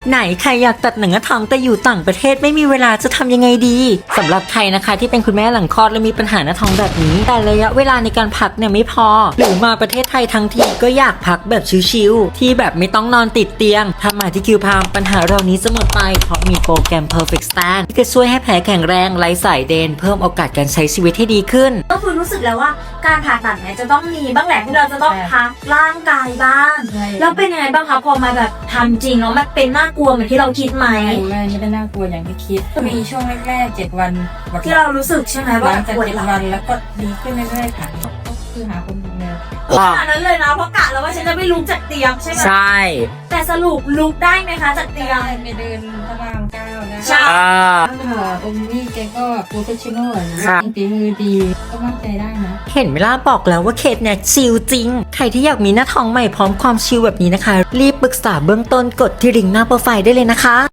ไหนใครอยากตัดหนังหน้าท้องแต่อยู่ต่างประเทศไม่มีเวลาจะทำยังไงดีสำหรับใครนะคะที่เป็นคุณแม่หลังคลอดและมีปัญหาหน้าท้องแบบนี้แต่ระยะเวลาในการพักเนี่ยไม่พอหรือมาประเทศไทยทั้งทีก็อยากพักแบบชิลๆที่แบบไม่ต้องนอนติดเตียงถ้ามาที่คิวพามปัญหาเหล่านี้จะหมดไปเพราะมีโปรแกรม Perfect Stand ที่จะช่วยให้แผลแข็งแรงไร้สายเดนเพิ่มโอกาสการใช้ชีวิตให้ดีขึ้นก็คือรู้สึกแล้วว่าการผ่าตัดเนี่ยจะต้องมีบ้างแหละที่เราจะต้องพักร่างกายบ้างแล้วเป็นยังไงบ้างคะพอมาแบบทำจริงแล้วมันเป็นน่ากลัวเหมือนที่เราคิดไหมไม่ได้น่ากลัวอย่างที่คิดมีช่วงแรกๆ7 วันที่เรารู้สึกใช่ไหมว่าหลังจากปวด 7 หลังวันแล้วก็ดีขึ้นเรื่อยๆค่ะคือหาคนดูแลขนาดนั้นเลยนะเพราะกะแล้วว่าฉันจะไม่ลุกจากเตียงใช่ไหมใช่แต่สรุปลุกได้ไหมคะจากเตียงไปเดินพระราม9นะใช่องค์นี้แกก็โปรเฟชชั่นอลนะค่ะฝีมือดีก็มั่นใจได้นะเห็นไหมล่ะบอกแล้วว่าเคสเนี่ยชิลจริงใครที่อยากมีหน้าท้องใหม่พร้อมความชิลแบบนี้นะคะรีบปรึกษาเบื้องต้นกดที่ลิงก์หน้าโปรไฟล์ได้เลยนะคะ